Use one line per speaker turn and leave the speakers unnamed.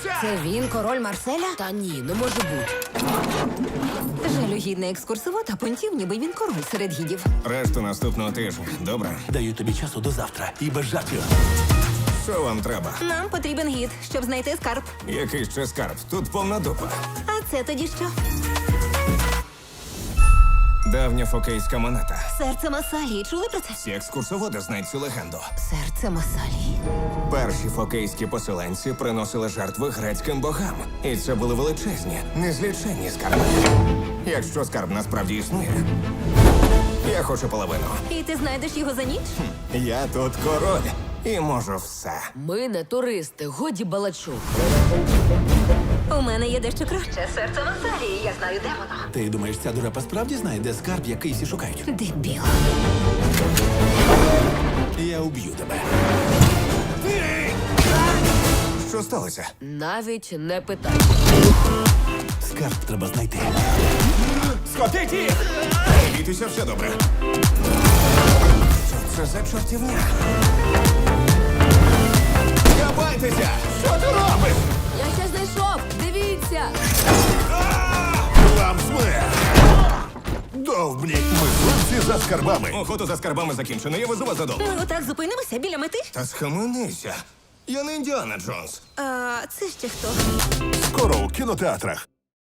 Тримайся!
Це він, король Марселя?
Та ні, не може бути.
Жалюгідний екскурсовод, а понтів, ніби він король серед гідів.
Решту наступного тижня. Добре?
Даю тобі часу до завтра. І без жартів.
Що вам треба?
Нам потрібен гід, щоб знайти скарб.
Який ще скарб? Тут повна дупа.
А це тоді що?
Давня фокейська монета.
Серце Масалії. Чули про це?
Всі екскурсоводи знають цю легенду.
Серце Масалії.
Перші фокейські поселенці приносили жертви грецьким богам. І це були величезні, незліченні скарби. Якщо скарб насправді існує, я хочу половину.
І ти знайдеш його за ніч?
Я тут король і можу все.
Ми не туристи, годі балачок.
У мене є дещо краще. Серце Масалії. Я знаю, де воно.
Ти думаєш, ця дурепа справді знає, де скарб, який всі шукають?
Дебіл.
Я уб'ю тебе.
Що сталося?
Навіть не питай.
Скарб треба знайти.
Скотить їх! Бійтеся, все добре. Що це за чортівня? Кабайтеся! Що ти робиш?
Я ще знайшов! Дивіться!
Вам смерть! Довбні! Мисливці за скарбами!
Охота за скарбами закінчена, я везу вас додому.
Ми отак зупинимося біля мети?
Та схаменися. Я не Індіана Джонс.
А це ще хто?
Скоро у кінотеатрах.